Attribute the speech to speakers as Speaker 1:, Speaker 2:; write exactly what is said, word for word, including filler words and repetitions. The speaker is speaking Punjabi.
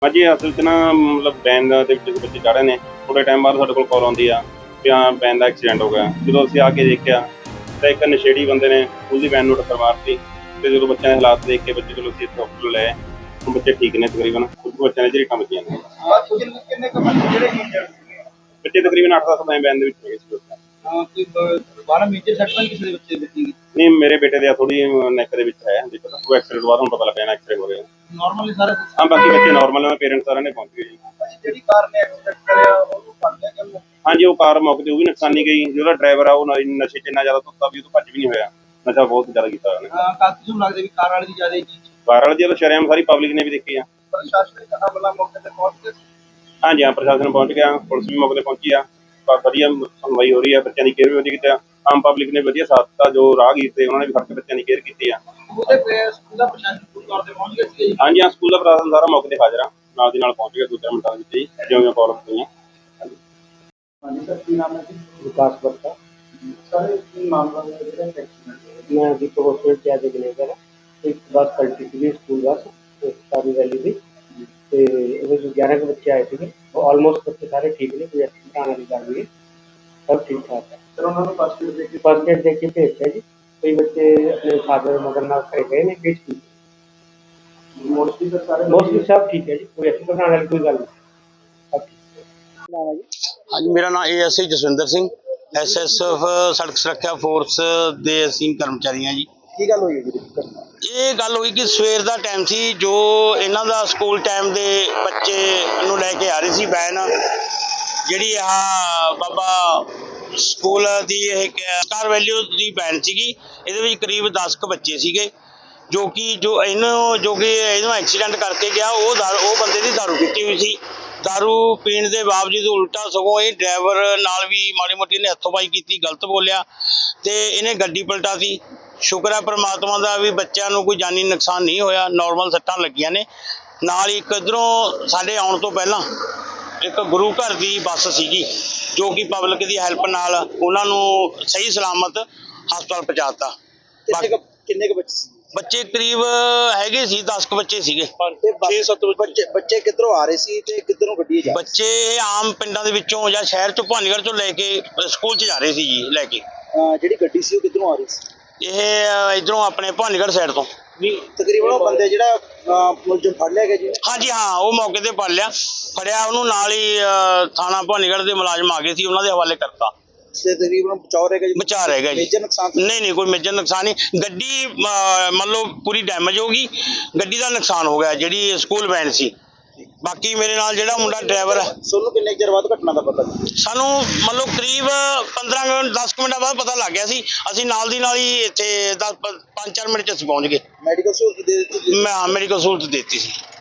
Speaker 1: हाँ जी, असल च ना मतलब वैन ਦੇ ਵਿੱਚ ਬੱਚੇ ਚੜ੍ਹ ਰਹੇ ਨੇ। ਥੋੜ੍ਹੇ ਟਾਈਮ ਬਾਅਦ ਸਾਡੇ ਕੋਲ ਕਾਲ ਆਉਂਦੀ ਆ ਵੀ ਹਾਂ ਵੈਨ ਦਾ ਐਕਸੀਡੈਂਟ ਹੋ ਗਿਆ। ਜਦੋਂ ਅਸੀਂ ਆ ਕੇ ਦੇਖਿਆ ਤਾਂ ਇੱਕ ਨਸ਼ੇੜੀ ਬੰਦੇ ਨੇ ਉਹਦੀ ਵੈਨ ਨੂੰ ਟੱਕਰ ਮਾਰਤੀ ਤੇ ਜਦੋਂ ਬੱਚਿਆਂ ਦੇ ਹਾਲਾਤ ਦੇਖ ਕੇ ਬੱਚੇ ਚਲੋ ਅਸੀਂ ਇੱਥੇ ਹਸਪਤਾਲ ਲੈ ਆਏ। ਹੁਣ ਬੱਚੇ ਠੀਕ ਨੇ ਤਕਰੀਬਨ, ਕੁਝ ਬੱਚਿਆਂ ਦੇ ਝਰੀਟਾਂ ਵੱਜੀਆਂ ਨੇ।
Speaker 2: ਕਿੰਨੇ ਕੁ ਬੱਚੇ ਜਿਹੜੇ ਇੰਜਰਡ ਸੀਗੇ?
Speaker 1: ਬੱਚੇ ਤਕਰੀਬਨ ਅੱਠ ਦਸ ਵੈਨ ਦੇ ਵਿੱਚ ਹੈਗੇ ਸੀ ਉਸ time।
Speaker 2: ਹਾਂ, ਕੋਈ ਦੁਬਾਰਾ ਮੇਜਰ ਸੱਟ ਤਾਂ ਕਿਸੇ ਦੇ ਬੱਚੇ ਦੇ ਲੱਗੀ?
Speaker 1: ਨਹੀਂ, ਮੇਰੇ ਬੇਟੇ ਦੇ ਥੋੜੀ ਨੈਕ ਦੇ ਵਿੱਚ ਹੈ ਦੇਖੋ ਤਾਂ ਉਹ ਐਕਸੀਡੈਂਟ ਬਾਅਦ ਹੁਣ ਪਤਾ ਲੱਗਿਆ ਨਾ ਐਕਸਰੇ ਹੋ ਰਹੇ ਆ।
Speaker 2: ਨਾਰਮਲੀ ਸਾਰਾ
Speaker 1: ਹਾਂ, ਬਾਕੀ ਬੱਚੇ ਨਾਰਮਲ ਨੇ, ਪੇਰੈਂਟਸ ਸਾਰਿਆਂ ਨੇ ਪਹੁੰਚ ਗਏ ਜੀ।
Speaker 2: ਜਿਹੜੀ ਕਾਰ ਨੇ ਐਕਸੀਡੈਂਟ ਕਰਿਆ ਉਹਨੂੰ ਫੜ ਲਿਆ ਕਿ?
Speaker 1: ਹਾਂਜੀ, ਉਹ ਕਾਰ ਮੌਕੇ ਤੇ ਉਹ ਵੀ ਨੁਕਸਾਨੀ ਗਈ। ਜਿਹੜਾ ਡਰਾਈਵਰ ਆ ਉਹ ਨ- ਨਸ਼ੇ 'ਚ ਇੰਨਾ ਜ਼ਿਆਦਾ ਧੁੱਤਾ ਵੀ ਉਹ ਤੋਂ ਭੱਜ ਵੀ ਨਹੀਂ ਹੋਇਆ। ਨਸ਼ਾ ਬਹੁਤ ਜ਼ਿਆਦਾ ਕੀਤਾ ਉਹਨੇ।
Speaker 2: ਹਾਂ, ਕਾਫੀ ਨੂੰ ਲੱਗਦਾ ਵੀ ਕਾਰ ਵਾਲੇ ਦੀ ਜ਼ਿਆਦਾ ਹੀ ਚੀਜ਼।
Speaker 1: ਕਾਰ ਵਾਲੇ ਦੀ ਤਾਂ ਸ਼ਰੇਆਮ ਸਾਰੀ ਪਬਲਿਕ ਨੇ ਵੀ ਦੇਖੀ ਆ।
Speaker 2: ਪ੍ਰਸ਼ਾਸਨਿਕ ਅਮਲਾ ਮੌਕੇ ਤੇ ਪਹੁੰਚ ਕੇ
Speaker 1: ਹਾਂਜੀ ਹਾਂ, ਪ੍ਰਸ਼ਾਸਨ ਪਹੁੰਚ ਗਿਆ, ਪੁਲਿਸ ਵੀ ਮੌਕੇ ਤੇ ਪਹੁੰਚੀ ਆ। ਪਰ ਵਧੀਆ ਸੁਣਵਾਈ ਹੋ ਰਹੀ ਆ, ਬੱਚਿਆਂ ਦੀ ਕੇਅਰ ਵੀ ਵਧੀਆ ਕੀਤੀ ਆ। ਆਮ ਪਬਲਿਕ ਨੇ ਵਧੀਆ ਸਾਥ ਦਿੱਤਾ, ਜੋ ਰਾਹਗੀਰ ਤੇ ਉਹਨਾਂ ਨੇ ਵੀ ਫੜ ਕੇ ਬੱਚਿਆਂ ਦੀ ਕੇਅਰ ਕੀਤੀ ਆ।
Speaker 2: ਉਹਦੇ ਪੇ ਸਕੂਲ ਦਾ ਪ੍ਰਸ਼ਾਸਨ ਪੂਰੀ ਤੌਰ ਤੇ ਪਹੁੰਚ ਗਿਆ ਸੀ।
Speaker 1: ਹਾਂਜੀ ਹਾਂ, ਸਕੂਲ ਦਾ ਪ੍ਰਸ਼ਾਸਨ ਸਾਰਾ ਮੌਕੇ ਤੇ ਹਾਜ਼ਰ ਆ, ਨਾਲ ਦੀ ਨਾਲ ਪਹੁੰਚ ਗਿਆ ਦੋ ਚਾਰ ਮਿੰਟਾਂ ਦੇ ਵਿੱਚ ਹੀ, ਜਿਉਂ ਜਿਉਂ ਕਾਲ ਹੋਈਆਂ।
Speaker 2: ਹਾਂਜੀ ਸਰ, ਕੀ ਨਾਮ ਹੈ ਜੀ?
Speaker 3: विकास बत्ता।
Speaker 2: ਸਰ, ਕੀ ਮਾਮਲਾ ਹੈ ਜਿਹੜਾ ਐਕਸੀਡੈਂਟ?
Speaker 3: मैं अभी तो हॉस्पिटल से आज मैनेजर है। एक बस पलटी थी स्कूल बस सारी वैली थी तो वो जो ग्यारह के बच्चे आए थे वो ऑलमोस्ट बच्चे सारे ठीक ने, कोई एक्सीडेंट आने की गल नहीं, सब ठीक ठाक है।
Speaker 2: ਸਰ, ਉਹਨਾਂ ਨੂੰ ਫਸਟ ਏਡ ਦੇ ਕੇ
Speaker 3: फर्स्ट एड देख के भेजा जी। कई बच्चे अपने फादर मदर नाल खड़े गए ने बीच की,
Speaker 2: ਮੋਸਟਲੀ ਸਰ ਸਾਰੇ
Speaker 3: मोस्टली सब ठीक है जी, कोई एक्सीडेंट आने वाली कोई गल नहीं, सब ठीक।
Speaker 2: ਨਾਮ ਹੈ ਜੀ?
Speaker 4: ਹਾਂਜੀ, ਮੇਰਾ ਨਾਮ A S I Jaswinder Singh, S S F ਸੜਕ ਸੁਰੱਖਿਆ ਫੋਰਸ ਦੇ ਅਸੀਂ ਕਰਮਚਾਰੀ ਹਾਂ ਜੀ।
Speaker 2: ਕੀ ਗੱਲ ਹੋਈ ਹੈ ਜੀ ਘਟਨਾ?
Speaker 4: ਇਹ ਗੱਲ ਹੋਈ ਕਿ ਸਵੇਰ ਦਾ ਟਾਈਮ ਸੀ, ਜੋ ਇਹਨਾਂ ਦਾ ਸਕੂਲ ਟਾਈਮ ਦੇ ਬੱਚੇ ਨੂੰ ਲੈ ਕੇ ਆ ਰਹੀ ਸੀ ਵੈਨ, ਜਿਹੜੀ ਆਹ ਬਾਬਾ ਸਕੂਲ ਦੀ ਇਹ ਸਟਾਰ ਵੈਲਿਊ ਦੀ ਵੈਨ ਸੀਗੀ। ਇਹਦੇ ਵਿੱਚ ਕਰੀਬ ਦਸ ਕੁ ਬੱਚੇ ਸੀਗੇ, ਜੋ ਕਿ ਜੋ ਇਹਨੂੰ ਜੋ ਕਿ ਇਹਨੂੰ ਐਕਸੀਡੈਂਟ ਕਰਕੇ ਗਿਆ ਉਹ ਦਾਰੂ ਉਹ ਬੰਦੇ ਦੀ ਦਾਰੂ ਪੀਤੀ ਹੋਈ ਸੀ। ਦਾਰੂ ਪੀਣ ਦੇ ਬਾਵਜੂਦ ਉਲਟਾ ਸਗੋਂ ਇਹ ਡਰਾਈਵਰ ਨਾਲ ਵੀ ਮਾੜੀ ਮੋਟੀ ਨੇ ਹੱਥੋਂ-ਪਾਈ ਕੀਤੀ, ਗਲਤ ਬੋਲਿਆ ਤੇ ਇਹਨੇ ਗੱਡੀ ਪਲਟਾਤੀ। ਸ਼ੁਕਰ ਹੈ ਪ੍ਰਮਾਤਮਾ ਦਾ ਵੀ ਬੱਚਿਆਂ ਨੂੰ ਕੋਈ ਜਾਨੀ ਨੁਕਸਾਨ ਨਹੀਂ ਹੋਇਆ, ਨਾਰਮਲ ਸੱਟਾਂ ਲੱਗੀਆਂ ਨੇ। ਨਾਲ ਹੀ ਇੱਕ ਇੱਧਰੋਂ ਸਾਡੇ ਆਉਣ ਤੋਂ ਪਹਿਲਾਂ ਇੱਕ ਗੁਰੂ ਘਰ ਦੀ ਬੱਸ ਸੀਗੀ, ਜੋ ਕਿ ਪਬਲਿਕ ਦੀ ਹੈਲਪ ਨਾਲ ਉਹਨਾਂ ਨੂੰ ਸਹੀ ਸਲਾਮਤ ਹਸਪਤਾਲ ਪਹੁੰਚਾਤਾ।
Speaker 2: ਕਿੰਨੇ ਕੁ ਕਿੰਨੇ ਕੁ ਬੱਚੇ ਸੀ?
Speaker 4: ਬੱਚੇ ਕਰੀਬ ਹੈਗੇ ਸੀ ਦਸ ਕੁ ਬੱਚੇ ਸੀਗੇ।
Speaker 2: ਛੇ ਸੱਤ ਬੱਚੇ ਬੱਚੇ ਕਿੱਧਰੋਂ ਆ ਰਹੇ ਸੀ ਤੇ ਕਿੱਧਰੋਂ ਗੱਡੀ ਜਾ?
Speaker 4: ਬੱਚੇ ਆਮ ਪਿੰਡਾਂ ਦੇ ਵਿੱਚੋਂ ਜਾਂ ਸ਼ਹਿਰ ਚੋਂ ਭਾਨੀਗੜ੍ਹ ਚੋਂ ਲੈ ਕੇ ਸਕੂਲ 'ਚ ਜਾ ਰਹੇ ਸੀ ਜੀ ਲੈ ਕੇ।
Speaker 2: ਜਿਹੜੀ ਗੱਡੀ ਸੀ ਉਹ ਕਿੱਧਰੋਂ ਆ ਰਹੀ ਸੀ?
Speaker 4: ਇਹ ਇਧਰੋਂ ਆਪਣੇ ਭਾਨੀਗੜ੍ਹ ਸਾਈਡ ਤੋਂ।
Speaker 2: ਨਹੀਂ, ਤਕਰੀਬਨ ਉਹ ਬੰਦੇ ਜਿਹੜਾ ਮੁਲਜ਼ਮ ਫੜ ਲਿਆ ਗਿਆ ਜੀ?
Speaker 4: ਹਾਂਜੀ ਹਾਂ, ਉਹ ਮੌਕੇ ਤੇ ਫੜ ਲਿਆ ਫੜਿਆ ਉਹਨੂੰ, ਨਾਲ ਹੀ ਅਹ, ਥਾਣਾ ਭਾਨੀਗੜ੍ਹ ਦੇ ਮੁਲਾਜ਼ਮ ਆ ਗਏ ਸੀ, ਉਹਨਾਂ ਦੇ ਹਵਾਲੇ ਕਰਤਾ।
Speaker 2: ਤੇ ਤਕਰੀਬਨ ਬਚਾਅ ਰਹਿ ਗਿਆ ਜੀ?
Speaker 4: ਬਚਾ ਰਹਿ ਗਿਆ ਜੀ।
Speaker 2: ਮੇਜਰ ਨੁਕਸਾਨ?
Speaker 4: ਨਹੀਂ ਨਹੀਂ, ਕੋਈ ਮੇਜਰ ਨੁਕਸਾਨ ਨਹੀਂ। ਗੱਡੀ ਅਹ, ਮੰਨ ਲਓ ਪੂਰੀ ਡੈਮੇਜ ਹੋ ਗਈ, ਗੱਡੀ ਦਾ ਨੁਕਸਾਨ ਹੋ ਗਿਆ ਜਿਹੜੀ ਸਕੂਲ ਵੈਨ ਸੀ। ਬਾਕੀ ਮੇਰੇ ਨਾਲ ਜਿਹੜਾ ਮੁੰਡਾ ਡਰਾਈਵਰ ਹੈ,
Speaker 2: ਤੁਹਾਨੂੰ ਕਿੰਨੇ ਚਿਰ ਬਾਅਦ ਘਟਨਾ ਦਾ ਪਤਾ?
Speaker 4: ਸਾਨੂੰ ਮੰਨ ਲਓ ਕਰੀਬ ਪੰਦਰਾਂ ਮਿੰਟ ਦਸ ਕੁ ਮਿੰਟਾਂ ਬਾਅਦ ਪਤਾ ਲੱਗ ਗਿਆ ਸੀ। ਅਸੀਂ ਨਾਲ ਦੀ ਨਾਲ ਹੀ ਇੱਥੇ ਦਸ ਪੰਜ ਚਾਰ ਮਿੰਟ 'ਚ ਅਸੀਂ ਪਹੁੰਚ ਗਏ।
Speaker 2: ਮੈਡੀਕਲ ਸਹੂਲਤ ਦੇ ਦਿੱਤੀ?
Speaker 4: ਮੈਂ ਮੈਡੀਕਲ ਸਹੂਲਤ ਦੇ ਦਿੱਤੀ ਸੀ।